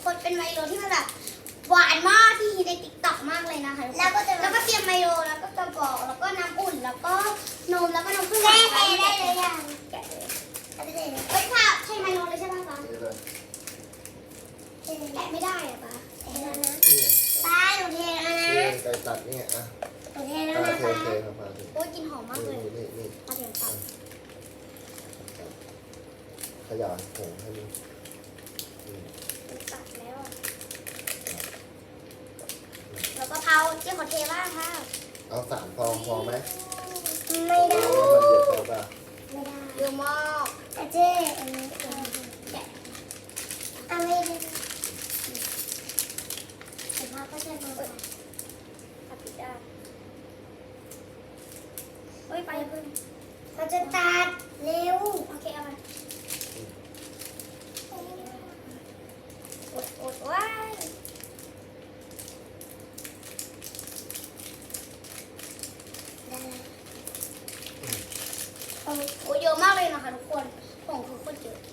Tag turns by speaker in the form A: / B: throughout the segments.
A: คนเป็นไมโลที่มันแบบหวานมากที่ฮิตในติ๊กต็อกมากเลยนะคะแล้วก็เตรียมไมโลแล้วก็กระบอกแล้วก็น้ำอุ่นแล้วก็นมแล้วก็นมข้นหวาน
B: ได้เลยยัง
A: แกะเลยเฮ้ยค่ะใช่ไมโลเลยใช่ป่ะป๊า
C: นี่เลย
A: แกะไม่ได้อะป๊า
B: เทแล้วนะ
C: นี่
B: ป้าหนูเทแล้วนะ
C: นี่ไก่ตัดนี่อ่ะ
B: หนูเทแล้ว
C: ปลา
B: นะ
C: เท
B: คะ
C: เทครับปลาเท
A: โอ้ยกลินหอมมากเลย
C: นี่
A: มาเดี๋ยวตัด
C: ขยายผงให้มัน
A: ตัดแล้วอะแล้วก็เผาเจ๊ขอเทบ้างค่ะ
C: เอา3 ฟองพอไหม
B: ไม่ได้
C: เพราะว่ามันเยอะไปป่ะ
B: ไม่ได้
A: เยอะมาก
B: อาเจ๊อันนี้แกะเอาไม่ได้แต่พ่อก็จะมา
A: ตัดผิดด้านเฮ้ยไปอย่าเพิ่ง
B: เขาจะตัดเร็ว
A: โอเคเอามาอดว้าย
B: ได้แล้ว
A: โอ้เยอะมากเลยนะคะทุกคนผงคือโคตรเยอะ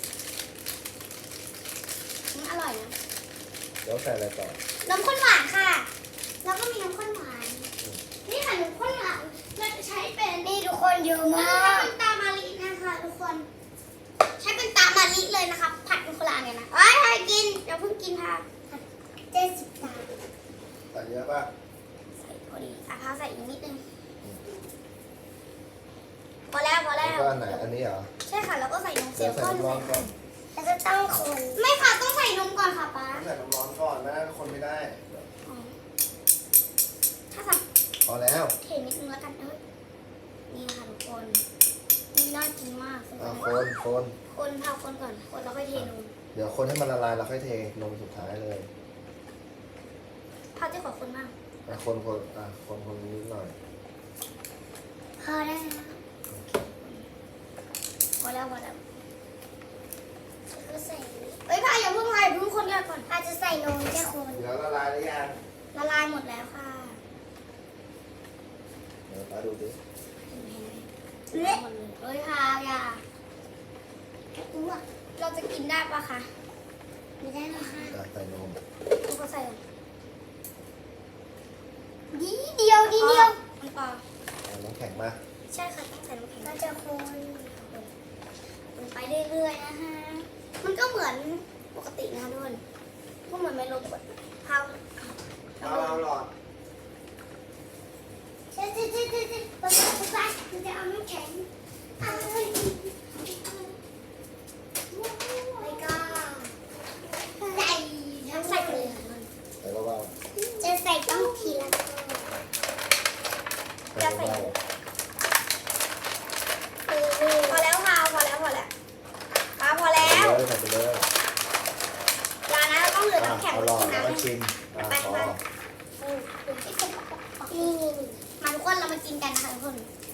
A: มันอร่อยนะ
C: เดี๋ยวใส่อะไรต่อ
A: น้ำข้นหวานค่ะ แล้วก็มีน้ำข้นหวาน นี่ค่ะน้ำข้นหวานเราจะใช้เป็น
B: นี่ทุกคนเยอะ
A: ใช้
B: มาก
A: เป็นตามารินะคะทุกคน ใช้เป็นตามาริเลยนะคะ ผัดเป็นคนละอันกันนะเอ้ยให้กินเดี๋ยวเพิ่งกินค่ะ
B: 70 บาท
C: ใส่เยอะป่ะ
A: ใส่พอดีอ่ะพาใส่อีกนิดนึงพอแล้วพอ
C: แล้
A: แล้ว ว
C: ก็อันไหนอันนี้เหรอ
A: ใช่ค่ะแล้วก็ใส่นมเซ
C: เดี๋
A: ล
C: ยว
A: ล์
C: ใส่
A: ก้อน
C: น้ำร้อนก่อน
B: แล้วก็ต้องคน
A: ไม่ค่ะต้องใส่นมก่อนค่ะป๊า
C: ใส่น้ำร้อนก่อนไม่งั้นคนไม่ได้
A: อ๋อถ้าใส่
C: พอแล้ว
A: เทนิดนึงแล้วกันนี่ค่ะทุกคนนี่น่ากินมาก
C: คน
A: คนเผาคนก่อนคนแล้วค่อยเทนม
C: เดี๋ยวคนให้มันละลายแล้วค่อยเทนมสุดท้ายเลย
A: เผาจะขอคนมาก
C: คนนิดหน่อย
B: พอได้แล้ว
A: พอแล้วพอแล้ว
B: แล้วก็ใส่นี่
A: เอ้ยพ่าอย่าเพิ่งไล่เพิ่งคนแรกก่อน
B: อาจจะใส่นมแค่คน
C: เดี๋ยวละลายหรือยัง
A: ละลายหมดแล้วค่ะ
C: เดี๋ยวป้าดูดิ
A: เห็นไหมละลายหมดเลยเอ้ยค่ะอย่า
B: อ้วก
A: เราจะกินได้ปะคะ
B: ไม่ได้หรอกค่ะ
C: ใส่นม
A: ทุกคนใส่ก่อน
B: ดีเดียว
A: น้ำปลา
C: เอาน้ำแข็งมา
A: ใช่ค่ะต้องใส่น้ำแข็ง
B: ก็จะคน
A: คนไปเรื่อยๆนะคะมันก็เหมือนปกตินะคะทุกคนก็เหมือนไมโลกดเผา
C: เอาหลอด
B: เจ๊ป๊ามันจะเอาน้ำแข็งเอาเลยแล้วก็ใส่
A: ทั้งใส่ไปเลยค่ะทุกคน
C: ใส่เบา
B: จะใส่ต้องทีละคน
C: ๆใส่เบา
A: พอแล้วค่ะพอแล้วพอแล้วพอ
C: ๆ
A: แล้ว
C: ใส่ไปเลย
A: ยานะเราต้องเหลือน้ำแข็ง
C: เอา
A: ไว้
C: หลอด
A: กิน
C: แล้ว
A: น้ำ
C: ก็ชิมพอ
B: นี่
A: มาทุกคนเรามากินกันนะคะทุกคน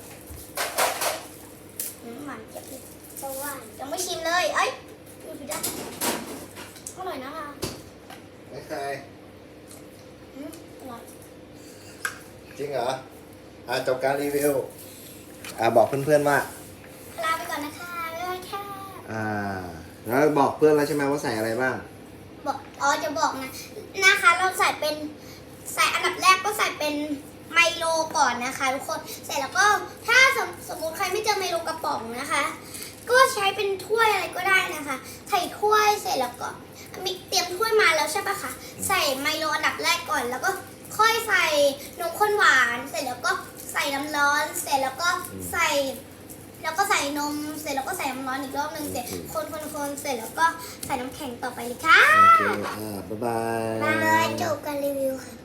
A: หวานเจี๊ยบเลย
B: สว่าน
A: ยังไม่ชิมเลยเอ้ยดูผิดด้านอร่อยนะคะ
C: ไม่เคย
A: อร่อย
C: จริงเหรอจบการรีวิวบอกเพื่อนๆว่า
A: ลาไปก่อนนะคะบ๊ายบายค่ะ
C: แล้วบอกเพื่อนแล้วใช่ไหมว่าใส่อะไรบ้าง
A: จะบอกนะคะเราใส่อันดับแรกก็ใส่เป็นไมโลก่อนนะคะทุกคนเสร็จแล้วก็ถ้าสมมติใครไม่เจอไมโลกระป๋องนะคะ ก็ใช้เป็นถ้วยอะไรก็ได้นะคะใส่ถ้วยเสร็จแล้วก็มีเตรียมถ้วยมาแล้วใช่ปะคะใส่ไมโลอันดับแรกก่อน แล้วก็ค่อยใส่นมข้นหวานเสร็จแล้วก็ใส่น้ำร้อนเสร็จแล้วก็ใส่นมเสร็จแล้วก็ใส่น้ำร้อนอีกรอบหนึ่งเสร็จคนเสร็จแล้วก็ใส่น้ำแข็งต่อไปเลยค่ะ
C: โอเคบ๊ายบาย
B: มาจบการรีวิวค่ะ